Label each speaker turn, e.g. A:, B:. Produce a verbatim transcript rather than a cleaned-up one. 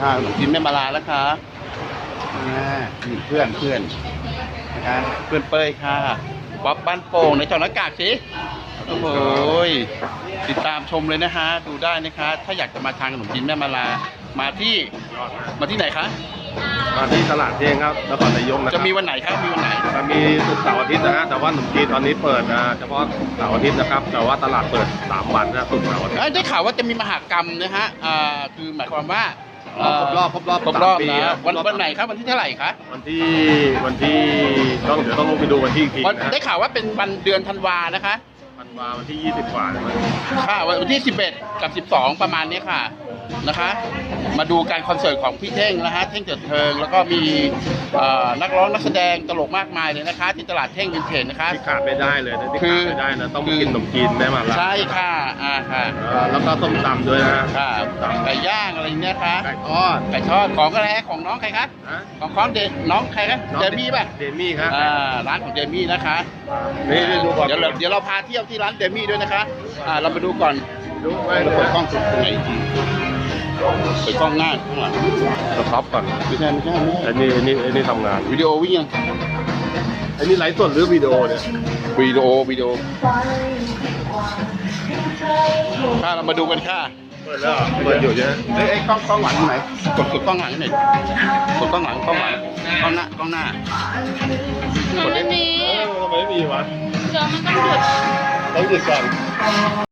A: ค่ะขนมจีนแม่มาลาแล้วค่ะอ่านี่เพื่อนเพื่อนนะคะเพื่อนเป้ยค่ะป๊อปบ้านโป่งในจอหน้ากากสิโอ้โหติดตามชมเลยนะฮะดูได้นะคะถ้าอยากจะมาทานขนมจีนแม่มาลามาที่มาที่ไหนคะ
B: มาที่ตลาดเที่ยงครับนครนายกนะครับ
A: จะมีวันไหนครับมีวันไหน
B: จะมีศุกร์เสาร์อาทิตย์นะฮะแต่ว่าขนมจีนตอนนี้เปิดนะเฉพาะเสาร์อาทิตย์นะครับแต่ว่าตลาดเปิดสามวันนะศุกร์เสาร์อาทิตย์
A: ได้ข่าวว่าจะมีมหากรรมนะฮะอ่าคือหมายความว่า
B: ครบรอบครบรอบ
A: ครบรอบ
B: ปี
A: นะวันวันไหนครับวันที่เท่าไหร่คะ
B: วันที่วันที่ต้องเดี๋ยวต้องลงไปดูวันที่อีกทีนะ
A: ได้ข่าวว่าเป็นวันเดือนธันวานะคะ
B: ธันวาวันที่ยี่สิบกว่าใช่ไหม
A: ค่ะวันที่สิบเอ็ดกับสิบสองประมาณนี้ค่ะนะคะมาดูการคอนเสิร์ตของพี่เท่งนะฮะเท่งเถิดเทิงแล้วก็มีนักร้องนักแสดงตลกมากมายเลยนะคะที่ตลาดเท่งวินเทจนะคะ
B: ที่ขาดไม่ได้เลยนะที่ขาดไม่ได้นะต้องกินขนมจีนแม่มาลา
A: ใช่ค่ะอ่าค่ะ
B: แล้วก็ส้มตำด้วยนะ
A: ค่ะไก่ย่างอะไรเนี้ยค่ะ
B: ไก่ทอด
A: ไก่ทอดของอะไรของน้องใครคะของของเดน้องใครคะเดมี่ป่ะ
B: เดมี่ครับ
A: อ่าร้านของเดมี่นะคะ
B: นี่ดูก่อน
A: เดี๋ยวเดี๋ยวเราพาเที่ยวที่ร้านเดมี่ด้วยนะคะอ่าเราไปดูก่อน
B: ดูไป
A: เปิดกล้องสุดไหนจริงเปิดกล้องหน้าข้างหลัง
B: สต็อปก่อน
A: ไม่ใช่ไม่ใช่ไม่ใช่
B: อันนี้อันนี้อันนี้ทำงาน
A: วิดีโอวิ่งยัง
B: อันนี้ไลฟ์สดหรือวิดีโอเนี่ย
A: วิดีโอวิดีโอค่ะเรามาดูกันค่ะ
B: เปิดแล้วเปิดอยู่ใช่ไหม
A: เอ้ยกล้องกล้องหลังไหนกดกดกล้องหลังหน่อยกดกล้องหลังกล้องหลังกล้องหน้ากล้องหน้า
C: มันไม่มี
B: ทำไมไม่มีวะ
C: เดี๋ยวมันต้องหยุด
B: ต้องหยุดก่อน